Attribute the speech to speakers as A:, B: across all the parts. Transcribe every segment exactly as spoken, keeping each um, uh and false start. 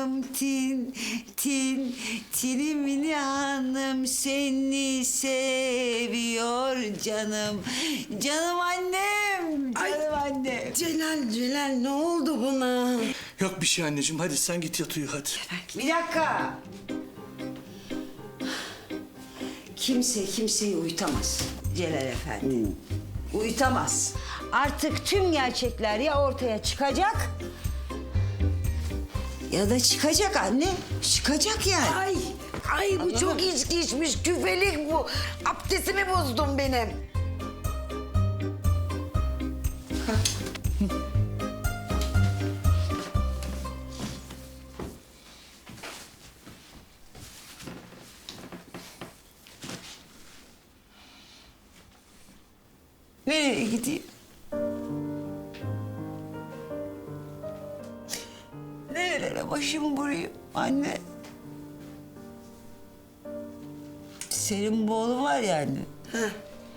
A: hanım tin tin tinimini hanım seni seviyor canım. Canım annem. Canım annem.
B: Celal, Celal ne oldu buna?
C: Yok bir şey anneciğim. Hadi sen git yat uyu hadi.
A: Bir dakika. Kimse kimseyi uyutamaz Celal Efendi. Uyutamaz. Artık tüm gerçekler ya ortaya çıkacak ya da çıkacak anne. Çıkacak yani.
B: Ay, ay bu çok içki içmiş, küfelik bu. Abdestimi bozdun benim.
A: Nereye gideyim? Nerelere başımı vurayım anne? Senin bu oğlun var ya anne.
B: Heh.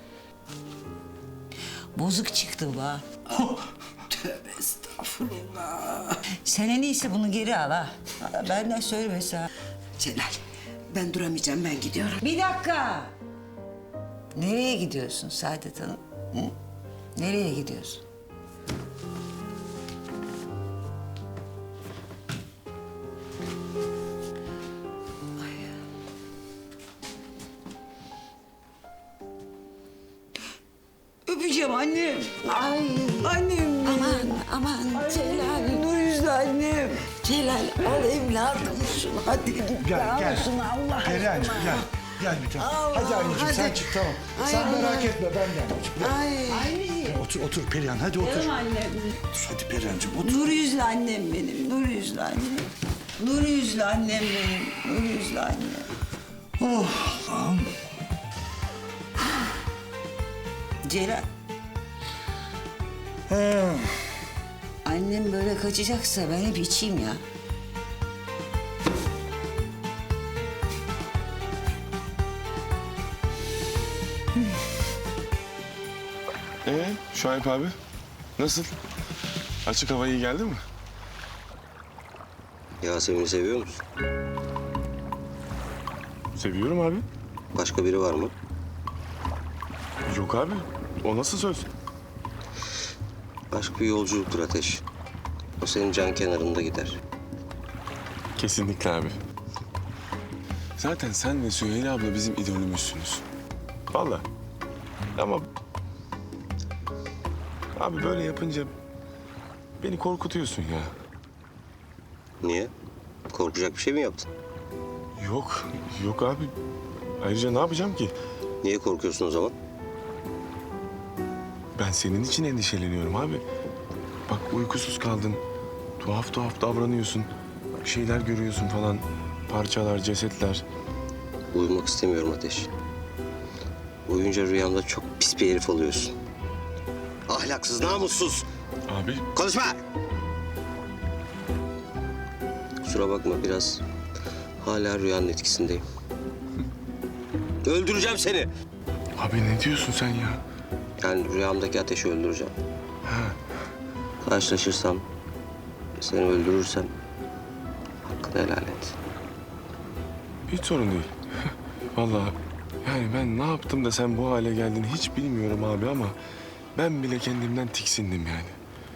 A: Bozuk çıktı bu ha.
B: Tövbe estağfurullah.
A: Sen en iyisi bunu geri al ha. Benden söylemesi ha.
B: Celal, ben duramayacağım, ben gidiyorum.
A: Bir dakika. Nereye gidiyorsun Saadet Hanım? Hı? Nereye gidiyorsun? Ay. Öpeceğim annem.
B: Ay,
A: Annem.
B: aman, aman Celal.
A: Nur yüzlü annem.
B: Celal, al evladım şunu, hadi git.
C: Gel
B: al
C: gel.
B: şunu Allah
C: Perihan'cığım
B: aşkına.
C: gel. Gel bir tane.
B: Allah,
C: Hadi anneciğim sen
B: hadi.
C: çık tamam.
B: Ay,
C: sen
B: Allah.
C: merak etme ben de anneciğim. Gel.
B: Ay.
A: Anneciğim.
C: Otur otur Perihan hadi otur.
A: Canım annem.
C: Otur hadi Perihan'cığım otur.
A: Nur yüzlü annem benim. Nur yüzlü annem. Nur yüzlü annem benim. Nur yüzlü annem.
C: Oh Allah'ım.
A: Celal.
C: Ha.
A: Annem böyle kaçacaksa ben hep içeyim ya.
D: Ee, Şuayb abi, nasıl? Açık hava iyi geldi mi?
E: Yasemin'i seviyor musun?
D: Seviyorum abi.
E: Başka biri var mı?
D: Yok abi, o nasıl söz?
E: Aşk bir yolculuktur Ateş. O senin can kenarında gider.
D: Kesinlikle abi. Zaten sen ve Süheyla abla bizim idolümüzsünüz. Vallahi. Ama... Abi böyle yapınca beni korkutuyorsun ya.
E: Niye? Korkacak bir şey mi yaptın?
D: Yok, yok abi. Ayrıca ne yapacağım ki?
E: Niye korkuyorsun o zaman?
D: Ben senin için endişeleniyorum abi. Bak uykusuz kaldın. Tuhaf tuhaf davranıyorsun. Bir şeyler görüyorsun falan. Parçalar, cesetler.
E: Uyumak istemiyorum Ateş. Uyuyunca rüyamda çok pis bir herif oluyorsun. Ahlaksız, namussuz.
D: Abi
E: Konuşma! Kusura bakma biraz hala rüyanın etkisindeyim. Öldüreceğim seni.
D: Abi ne diyorsun sen ya?
E: Yani rüyamdaki Ateş'i öldüreceğim. Karşılaşırsam, seni öldürürsem hakkını helal et.
D: Hiç sorun değil. Vallahi yani ben ne yaptım da sen bu hale geldin hiç bilmiyorum abi ama ben bile kendimden tiksindim yani.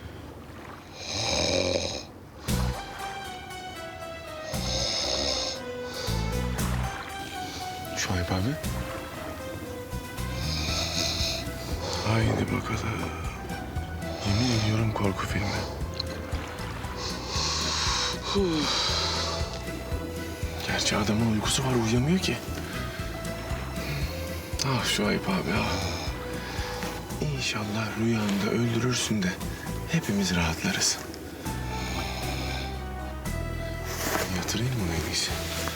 D: Şuayb abi. Haydi bakalım. Yemin ediyorum korku filmi. Gerçi adamın uykusu var, uyuyamıyor ki. Ah Şuayb abi ah. İnşallah rüyanda öldürürsün de hepimiz rahatlarız. Yatırayım mı en iyisi?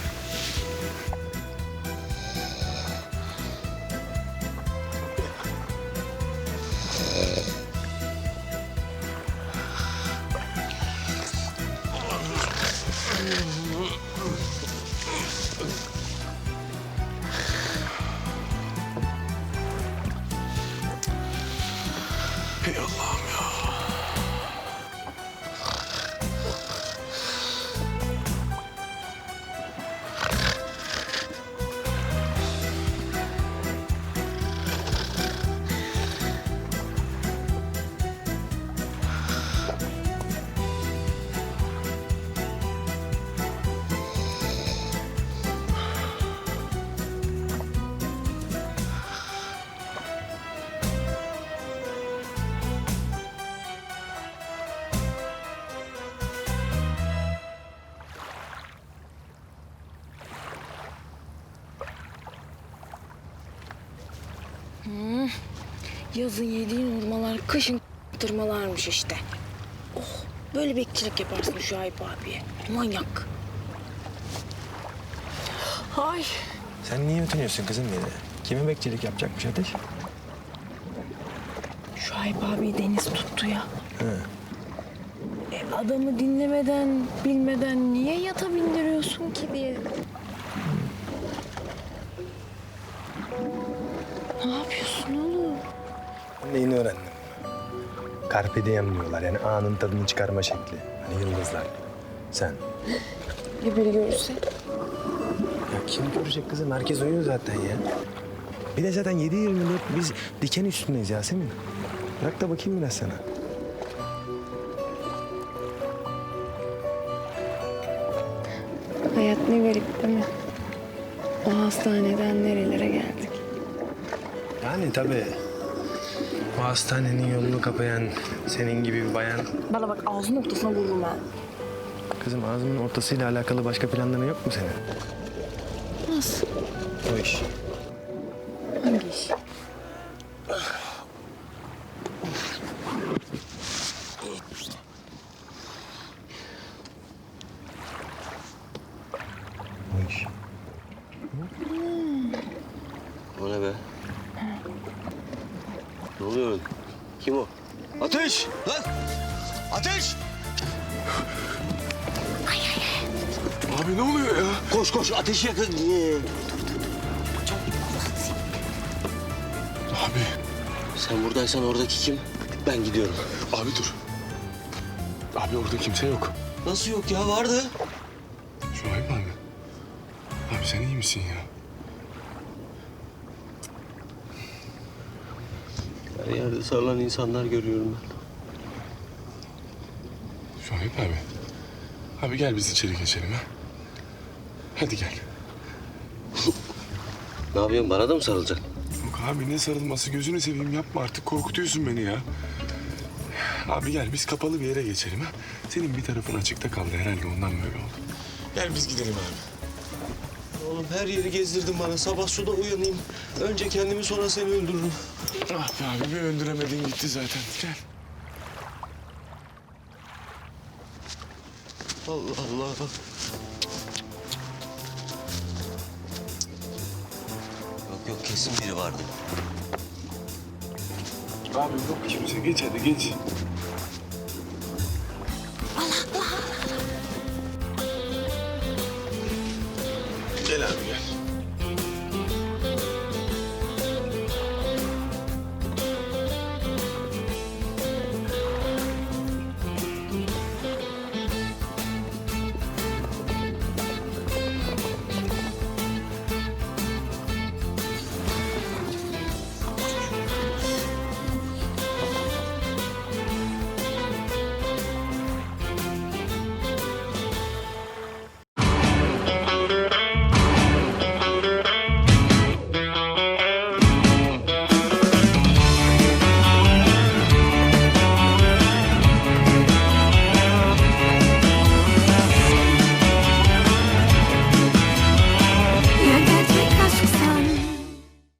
D: Ey Allah'ım ya.
F: Yazın yediğin hurmalar, kışın tırmalarmış işte. Oh, böyle bekçilik yaparsın Şuayb abiye. Manyak. Ay.
G: Sen niye utanıyorsun kızım beni? Kime bekçilik yapacakmış Ateş?
F: Şuayb abi deniz tuttu ya. E, adamı dinlemeden, bilmeden niye yata bindiriyorsun ki diye. Ne yapıyorsun oğlum?
G: Neyini öğrendim? Carpe diem diyorlar yani anın tadını çıkarma şekli. Hani yıldızlar. Sen.
F: Ya biri görürse?
G: Ya kim görecek kızım? Herkes uyuyor zaten ya. Bir de zaten yedi yirmi dört biz diken üstündeyiz Yasemin. Bırak da bakayım biraz sana.
F: Hayat ne garip değil mi? O hastaneden nerelere geldik?
G: Yani tabii. O hastanenin yolunu kapayan senin gibi bir bayan.
F: Bana bak ağzının ortasına vururum ha.
G: Kızım ağzının ortasıyla alakalı başka planların yok mu senin?
F: Nasıl?
G: O iş.
F: Hangi iş?
G: O iş.
E: O ne be? Ne oluyor öyle? Kim o? Ateş! Lan! Ateş!
D: Abi ne oluyor ya?
E: Koş koş ateşi yakın. Ee,
D: Abi,
E: Sen buradaysan oradaki kim? Ben gidiyorum.
D: abi dur. Abi orada kimse yok.
E: Nasıl yok ya? Vardı.
D: Şuayb abi. Abi sen iyi misin ya?
E: Her yerde sarılan insanlar görüyorum ben.
D: Şuayb abi. Abi gel biz içeri geçelim ha. Hadi gel.
E: Ne yapıyorsun? Bana da mı sarılacaksın?
D: Yok abi ne sarılması gözünü seveyim yapma artık korkutuyorsun beni ya. Abi gel biz kapalı bir yere geçelim ha. Senin bir tarafın açıkta kaldı herhalde ondan böyle oldu. Gel biz gidelim abi.
H: Oğlum her yeri gezdirdin bana. Sabah suda uyanayım. Önce kendimi sonra seni öldürürüm.
D: Ah be abi bir öldüremedin gitti zaten. Gel.
H: Allah Allah.
E: Yok yok kesin biri vardı.
D: Abi yok kimse geç hadi geç. Gel abi gel.